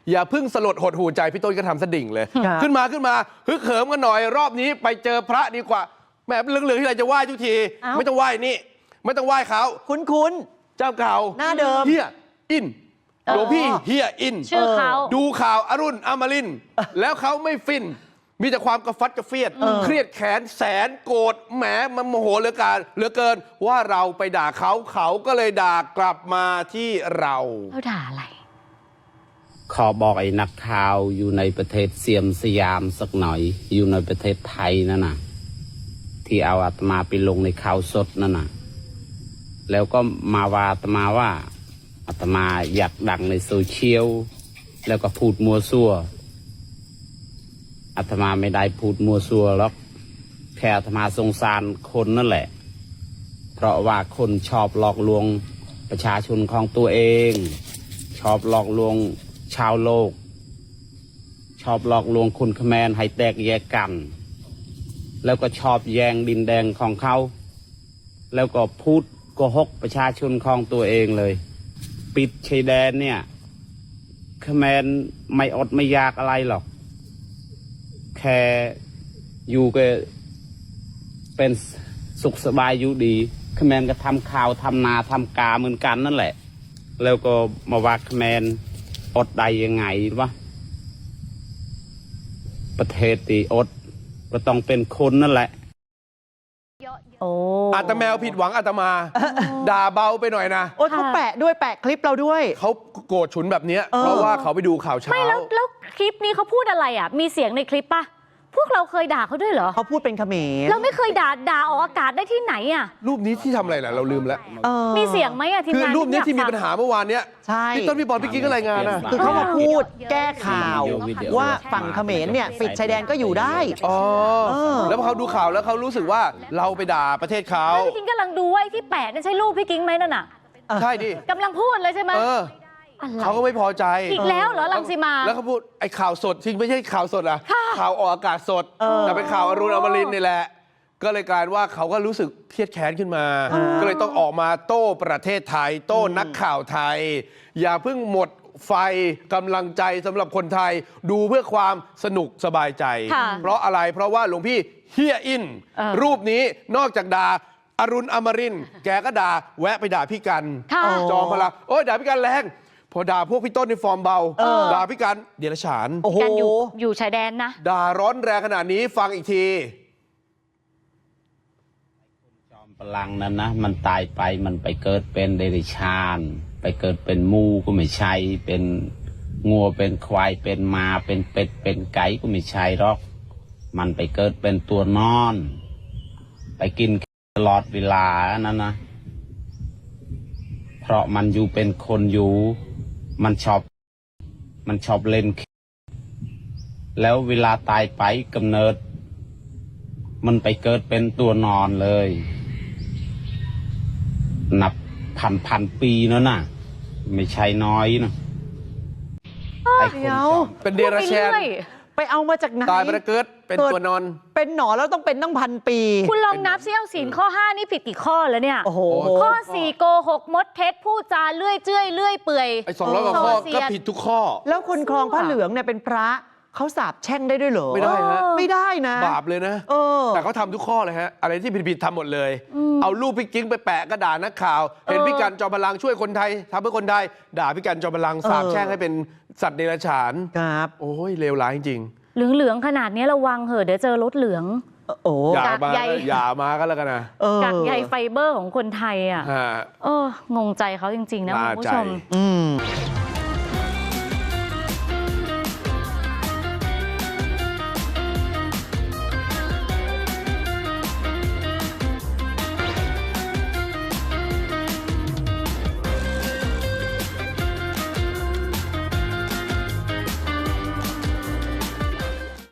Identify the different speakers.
Speaker 1: อย่าพึ่งสลดหดหูใจพี่ต้นก็ทำสดิ่งเลยขึ้นมาฮึกเหิมกันหน่อยรอบนี้ไปเจอพระดีกว่าแหมเหลืองๆที่ไรจะไหว้ทุกทีไม่ต้องไหว้นี่ไม่ต้องไหว้เขา
Speaker 2: คุ้น
Speaker 1: เจ้าเก่า
Speaker 2: หน้าเดิม
Speaker 1: เฮียอินหลวงพี่เฮียอิน
Speaker 3: ชื่อเขา
Speaker 1: ดูข่าวอรุณอมรินทร์แล้วเขาไม่ฟินมีแต่ความกระฟัดกระเฟียดเครียดแค้นแสนโกรธแหมมันโมโหเหลือเกินว่าเราไปด่าเขาก็เลยด่ากลับมาที่เรา
Speaker 3: ด่าอะไร
Speaker 4: ขอบอกไอ้นักข่าวอยู่ในประเทศเซียมสยามสักหน่อยอยู่ในประเทศไทยนั่นน่ะที่เอาอาตมาไปลงในข่าวสดนั่นน่ะแล้วก็มาว่าอาตมาว่าอาตมาอยากดังในโซเชียลแล้วก็พูดมัวซั่วอาตมาไม่ได้พูดมัวซั่วหรอกแค่อาตมาสงสารคนนั่นแหละเพราะว่าคนชอบหลอกลวงประชาชนของตัวเองชอบหลอกลวงชาวโลกชอบหลอกลวงคนเขมรให้แตกแยกกันแล้วก็ชอบแย่งดินแดงของเขาแล้วก็พูดโกหกประชาชนของตัวเองเลยปิดชายแดนเนี่ยเขมรไม่อดไม่ยากอะไรหรอกแค่อยู่ก็เป็นสุขสบายอยู่ดีเขมรก็ทำข่าวทำนาทำกาเหมือนกันนั่นแหละแล้วก็มาว่าเขมรอดได้ยังไงวะประเทศที่อดก็ต้องเป็นคนนั่นแหละ
Speaker 1: อาตแมวผิดหวังอาตมาด่าเบาไปหน่อยนะ
Speaker 2: โอ้ยเขาแปะด้วยแปะคลิปเราด้วย
Speaker 1: เขาโกรธฉุนแบบนี้เพราะว่าเขาไปดูข่าวเช้า
Speaker 3: ไม่แล้วคลิปนี้เขาพูดอะไรอ่ะมีเสียงในคลิปป่ะพวกเราเคยด่าเขาด้วยเหรอ
Speaker 2: เขาพูดเป็นเขมร
Speaker 3: เราไม่เคยด่าออกอากาศได้ที่ไหนอ่ะ
Speaker 1: รูปนี้ที่ทำอะไรล่ะเราลืมแล้ว
Speaker 3: มีเสียงไหมอ่ะทีมงาน
Speaker 1: คือรูปนี้ที่มีปัญหาเมื่อวานเนี้ย
Speaker 2: ใช่
Speaker 1: พี่ต้นพี่บอลพี่กิ๊กก็รายงานนะ
Speaker 2: คือเขามาพูดแก้ข่าวว่าฝั่งเขมรเนี่ยปิดชายแดนก็อยู่ได้
Speaker 1: แล้วพอเขาดูข่าวแล้วเขารู้สึกว่าเราไปด่าประเทศเขา
Speaker 3: พี่กิ๊กกำลังดูว่าที่แปะนั่นใช่รูปพี่กิ๊กไหมนั่นน่ะ
Speaker 1: ใช่ดิ
Speaker 3: กำลังพูดเลยใช่ไหม
Speaker 1: เขาก็ไม่พอใจ
Speaker 3: อีกแล้วเหรอรังสีมา
Speaker 1: แล้วเขาพูดไอ้ข่าวสดจริงไม่ใช่ข่าวสดอะข่าวออกอากาศสดแต่เป็นข่าวอรุณอมรินทร์นี่แหละก็เลยกลายว่าเขาก็รู้สึกเครียดแค้นขึ้นมาก็เลยต้องออกมาโต้ประเทศไทยโต้นักข่าวไทยอย่าเพิ่งหมดไฟกำลังใจสำหรับคนไทยดูเพื่อความสนุกสบายใจเพราะอะไรเพราะว่าหลวงพี่เฮียอินรูปนี้นอกจากด่าอรุณอมรินทร์แกก็ด่าแวะไปด่าพี่กันจอมพลังโอ้ยด่าพี่กันแรงพอด่าพวกพี่ต้นในฟอร์มเบาด่าพี่กันเดรัจฉาน
Speaker 3: กันอยู่ชายแดนนะ
Speaker 1: ด่าร้อนแรงขนาดนี้ฟังอีกที
Speaker 4: จอมพลังนั้นนะมันตายไปมันไปเกิดเป็นเดรัจฉานไปเกิดเป็นมูก็ไม่ใช่เป็นงัวเป็นควายเป็นมาเป็นเป็ดเป็นไก่ก็ไม่ใช่หรอกมันไปเกิดเป็นตัวนอนไปกินตลอดเวลานั่นนะเพราะมันอยู่เป็นคนอยู่มันชอบเล่นแล้วเวลาตายไปกำเนิดมันไปเกิดเป็นตัวนอนเลยนับพันปีแล้วนะไม่ใช่น้อยนะ
Speaker 2: ไอ้คน
Speaker 1: เป็นเดรัจฉาน
Speaker 2: ไปเอามาจากไหน
Speaker 1: ตายไปเกิดเป็นตัวนอน
Speaker 2: เป็นหนอนแล้วต้องเป็นตั้ง1,000 ปี
Speaker 3: คุณลองนับซิเอาศีลข้อ5นี่ผิดกี่ข้อแล้วเนี่ยข้อ4โกหกมดเท็จพูดจาเลื่อยเจื้อยเลื่อยเปื่อย
Speaker 1: ไอ้200 กว่าข้อก็ผิดทุกข้อ
Speaker 2: แล้วคนครองผ้าเหลืองเนี่ยเป็นพระเขาสาบแช่งได้ด้วยเหรอ
Speaker 1: ไม่ได้ฮะ
Speaker 2: ไม่ได้นะ
Speaker 1: บาปเลยนะแต่เขาทำทุกข้อเลยฮะอะไรที่ผิดทำหมดเลยเอารูปพี่กิ๊งไปแปะกระดาษนักข่าวเห็นพี่กันจอมพลังช่วยคนไทยทำเพื่อคนไทยด่าพี่กันจอมพลังสาบแช่งให้เป็นสัตว์เดรัจฉาน
Speaker 2: ครับ
Speaker 1: โอ้ยเลวร้ายจริง
Speaker 3: เหลืองขนาดนี้ระวังเหอะเดี๋ยวเจอรถเหลือง
Speaker 1: อย่ามาก็แล้วกันนะ
Speaker 3: กากใยไฟเบอร์ของคนไทยอ่ะงงใจเขาจริงๆนะคุณผู้ชม